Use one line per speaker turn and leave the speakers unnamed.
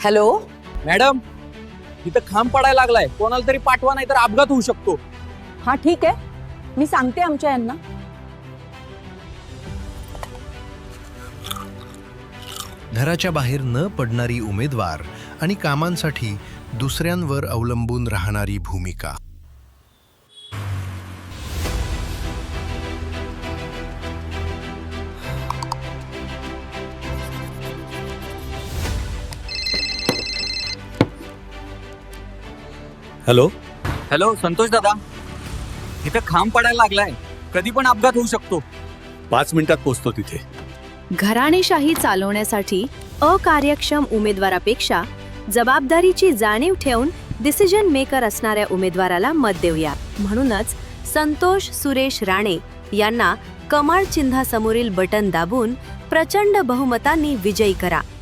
Hello.
Madam, इथं खांब पडायला लागलाय, कोणाला तरी पाठवा, नाही तर अपघात होऊ शकतो.
हा ठीक आहे, मी सांगते आमच्या यांना.
घराच्या बाहेर न पडणारी उमेदवार आणि कामांसाठी दुसऱ्यांवर अवलंबून राहणारी भूमिका.
हॅलो. हॅलो संतोष दादा, इथं खांब पडायला लागलाय, कधी पण अपघात होऊ शकतो.
5 मिनिटात पोहोचतो तिथे.
घराणेशाही चालवण्यासाठी अकार्यक्षम उमेदवारापेक्षा जबाबदारीची जाणीव ठेवून डिसिजन मेकर असणाऱ्या उमेदवाराला मत देऊया. म्हणूनच संतोष सुरेश राणे यांना कमळ चिन्हासमोरील बटन दाबून प्रचंड बहुमतांनी विजयी करा.